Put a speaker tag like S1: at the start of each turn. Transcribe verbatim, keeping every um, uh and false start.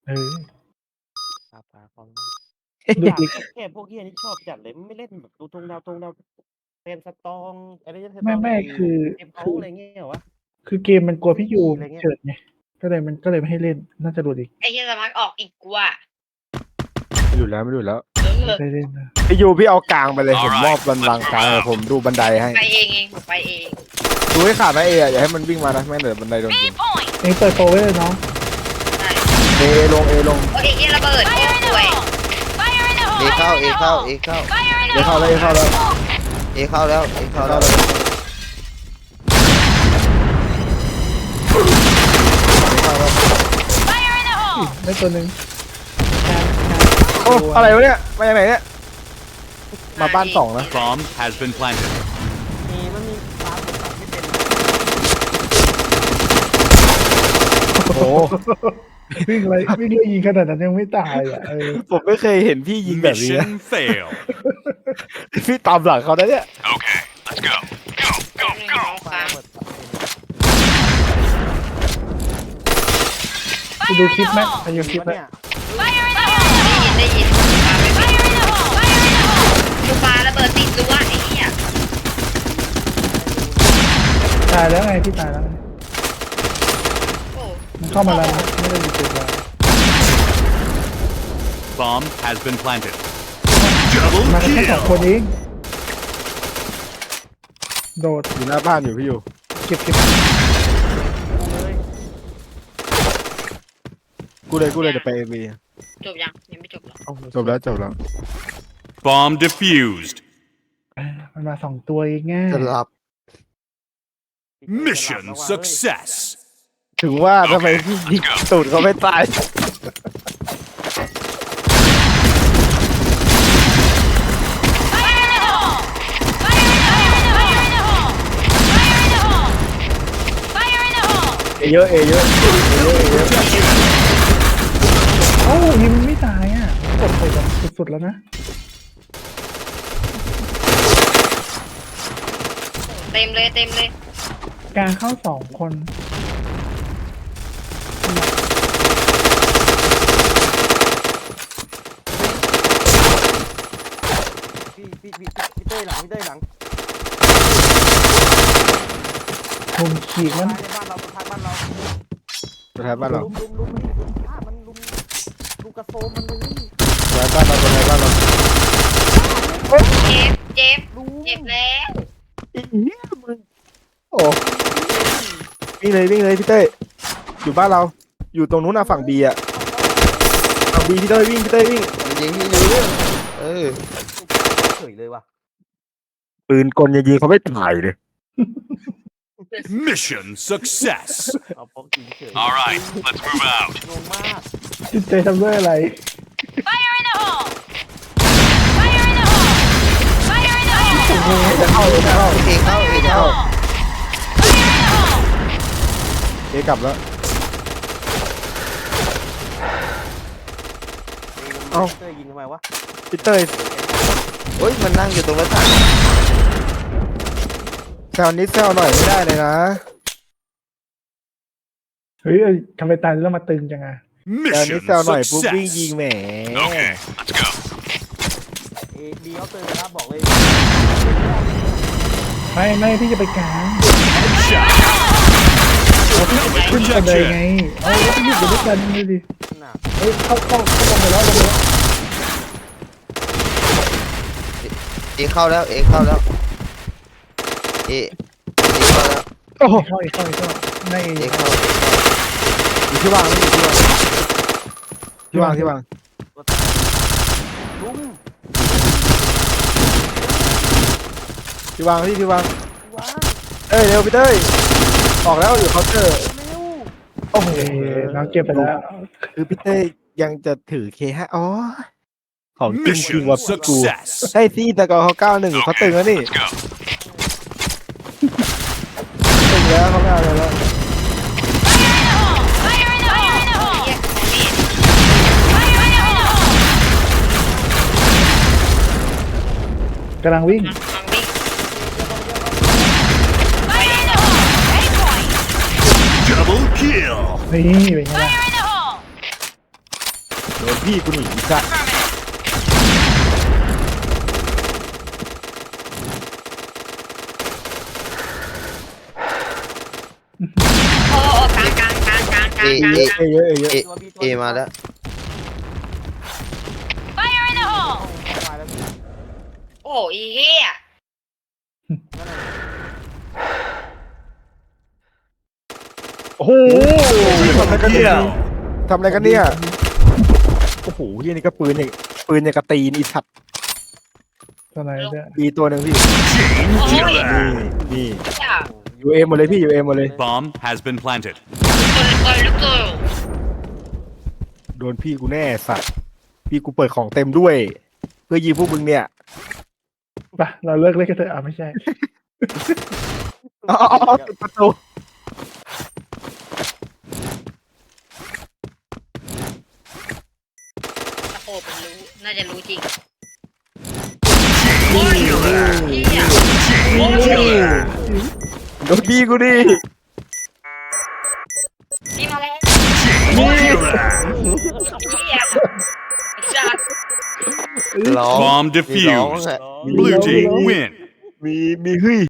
S1: เออ
S2: ปาปาของ
S1: ดู
S2: อยาก
S1: ดิ
S2: เล่นเกมพวกเหี้ยนี่ชอบจัดเลยไม่เล่นแบบดูทงดาวทงดาวเป็นสตองอะไรเงี้ยสต
S1: ไม่
S2: อง
S1: ไม่
S2: ไอ้
S1: คือ
S2: เกมเขา
S1: คือ
S2: อะไรเงี้ยเหรอวะ
S1: คือเกมมันกลัวพี่ยู
S2: ซี่อะไรเงี้ย
S1: เฉิดไงก็เลยมันก็เลยไม่ให้เล่นน่าจะหลุดอีก
S3: ไอ้เหี้ยสมัครออกอีกกูอ่ะ
S4: ไม่อยู่แล้วไม่อยู่แล้ว
S3: เออ
S1: ไม่ได้เล่นนะ
S4: พี่ยูพี่เอากลางไปเลยผมมอบบันลังก์กลางเลยผมดูบันไดให้
S3: ไปเองเองผมไปเอง
S4: ดูให้ขาดนะเออย่าให้มันวิ่งมานะแม่งเดี๋ยวบันไดโดนยิง
S1: เองเปิดโปรไว้เลยน้อง
S3: ใช่
S4: เอลงเอลง
S3: โอ้ยไอ้เหี้ยระเบิดโอ้ป่วย
S5: เอเข้าเอเข้าเอเข้า
S4: เอเข้าแล้วเอเข้าแล้ว
S5: เอเข้าแล้วเอเข้าแล้ว
S1: ได้ตัวหนึ่ง
S4: โอ้อะไรวะเนี่ยมาจากไหนเนี่ยมาบ้านสองนะ
S6: Bomb has been planted.
S2: มีมันมีฟ้าผมตัดไม่เป็น
S4: โอ้โห
S1: วิ่งอะไรวิ่งเลยยิงขนาดนั้นยังไม่ตายอ่ะเออ
S4: ผมไม่เคยเห็นพี่ยิงแบบนี้นะ
S6: Mission fail.
S4: พี่ตามหลังเขาได้เนี่ย
S6: Okay, let's go. Go,
S3: แป๊บ
S6: go,
S3: นึง
S6: go.
S3: น้อง
S2: ฟ้า
S3: ฟ้า
S2: เปิดตัดเป็น
S1: ไปดูคลิปไหมไปดูคลิป
S2: วะ
S1: ไหม
S2: เนี่ย
S3: ได้ยินได้ยินฟ้าไม่เป็นกูฟ้าระเบิดติดตัวไอ้เหี้ย
S1: ตายแล้วไงพี่ตายแล้วไง
S3: โอ้
S1: มันเข้ามาแล้วนะไม่ได้ดีเจ็บแล้ว
S6: Bomb has been planted. Double
S1: มากันแค่สองคน
S6: kill.
S1: เองโดด
S4: อยู่หน้าบ้านอยู่พี่ยู
S1: เก็บเก็บ
S2: เลย
S4: กูเลยกูเลยเดี๋ยวไปเอวี
S3: จบยังยังไม่จบหรอ
S4: จบแล้วจบแล้ว
S6: Bomb defused.
S1: เออมันมาสองตัวเองไง
S5: จะหลับ
S6: Mission success.
S4: ถึงว่าทำไมพี่ยิงตูดเขาไม่ตาย เอเยอะเอเยอะเอเยอะเอเยอะ
S1: เอ้ายิงมันไม่ตายอ่ะกดไปแบบสุดๆแล้วนะ
S3: เต็มเลยเต็มเลย
S1: กลางเข้าสองคน
S2: พี่พี่พี่พี่เต้ยหลังพี่เต้ยหลัง
S1: มุมขีดมัน
S2: ท้ายในบ้านเราท้ายบ้านเรา
S4: สุดท้ายบ้านเรา
S2: ลุมลุมลุมมันลุมฆ่ามันลุมลุมกระโซมมันเลย
S4: สุดท้ายบ้านเราสุดท้ายบ้านเรา
S3: เจ็บเจ็บ
S2: ลุม
S3: เจ็บแล้ว
S4: อีเหี้ยมึงโอ้วิ่งเลยวิ่งเลยพี่เต้ยอยู่บ้านเรา อยู่ตรงนู้นนะฝั่งบีอะฝั่งบีพี่เต้ยวิ่งพี่เต้ยวิ่ง
S5: มันยิงที่อยู่เออ
S2: เฉยเลยว่ะ
S4: ปืนกลยิงเขาไม่ตายเลย
S6: Mission success.
S2: เอาพกยิงเฉย
S6: All right, let's move out.
S2: งงมาก
S1: จิตใจทำด้วยอะไร
S5: จะเข้าจะเข้าเอเข้าเอเข้า
S4: เอกลับแล้ว เอ้า
S2: เต้ยยิงทำไมวะ
S4: พี่เต้ย
S5: โอ้ยมันนั่งอยู่ตรงหน้าต่าง
S4: แซวนิดแซวหน่อยไม่ได้เลยนะ
S1: เฮ้ยทำไมตายแล้วมาตึงจังอ่ะ
S4: แซวนิ
S6: Mission
S4: ดแซวหน่อยปุ๊บวิ่งยิง
S6: success.
S4: แหม
S6: Okay, let's go.
S2: เอดีเขาเตยนะครับบอกเลย
S1: ไม่ไม่พี่จะไปกลาง
S6: Headshot.
S1: ขึ้นกันเลยไง
S6: Rejection.
S1: เอาแล้วพี่อยู่ด้วยกันเลยดิ
S2: น่ะ
S1: เฮ้ยเข้าเข้าเข้าลงไปแล้วลงไปแล้ว
S5: เอเข้าแล้วเอเข้าแล้วเอเอเข้าแล้ว
S4: โอ้โห
S1: เข้าอีกเข้าอีกเข้าใน
S5: เอเข้า
S4: อยู่ที่วางอยู่ที่วางที่วางที่วาง
S2: ตัวตายลุม
S4: ที่วางที่ที่วาง
S2: ว้า
S4: เอ้ยเร็วพี่เต้ยออกแล้วอยู่เคาน์เตอร์
S2: เร็ว
S4: โอ้โห
S1: เอ้ยน้องเก็บไปแล้ว
S4: คือพี่เต้ยยังจะถือเคห้าอ๋อของจริงจริง
S6: Mission
S4: ว่ะกู
S6: success.
S4: ใช่สิแต่ก่อนเขาเก้าหนึ่งเขาตึงแล้วนี่
S6: Let's go.
S4: ตึงแล้วเขาไม่เอาอะไรแล้ว
S3: เหี้ยของนี่
S1: กำลังวิ่ง
S3: ลองวิ่ง
S6: Double kill.
S1: นี่เป็นไงล่ะ
S4: โดนพี่กูหนีจ้ะ
S3: โอ้โอ้กลางกลางกลางกลางกลางกลาง
S4: เอ้ยเยอะเอ้ยเยอะ
S5: เอเอมาแล้ว
S3: Fire in the hole
S2: มาแล้วพี่
S3: โอ้อีเหี้ย
S4: โอ้โหทำอะไรกันเนี่ยทำอะไรกันเนี่ยโอ้โหเฮียนี่ก็ปืนอย่างปืนอย่างกระตีนอีสัตว์
S1: ตอนไหนเนี่ย
S4: มีตัวหนึ่งพี่
S6: Chain
S4: นี่
S6: killer.
S4: นี่
S3: อย่า
S4: ยูเอ็มหมดเลยพี่ยูเอ็มหมดเลย
S6: Bomb has been planted.
S3: คนคนลูกเกิร์ล
S4: โดนพี่กูแน่สัตว์พี่กูเปิดของเต็มด้วย เพื่อยิงพวกมึงเนี่ย
S1: ไปเราเลิกเล่นกันเถอะอ่ะไม่ใช่
S4: อ๋อปิดประตู
S3: โอ้ผมรู้น่าจะรู้จริงโอ้ยเหี้ยโอ้ย
S4: โดนพี่กูดิ
S3: นี่มาแล้ว
S6: Killer.
S3: เหี้ยไอ้สัตว์
S5: ร้อง
S6: Bomb
S5: มีร้อง
S6: defused.
S5: อะ
S6: Blue team win.
S4: มีมีเฮ้ย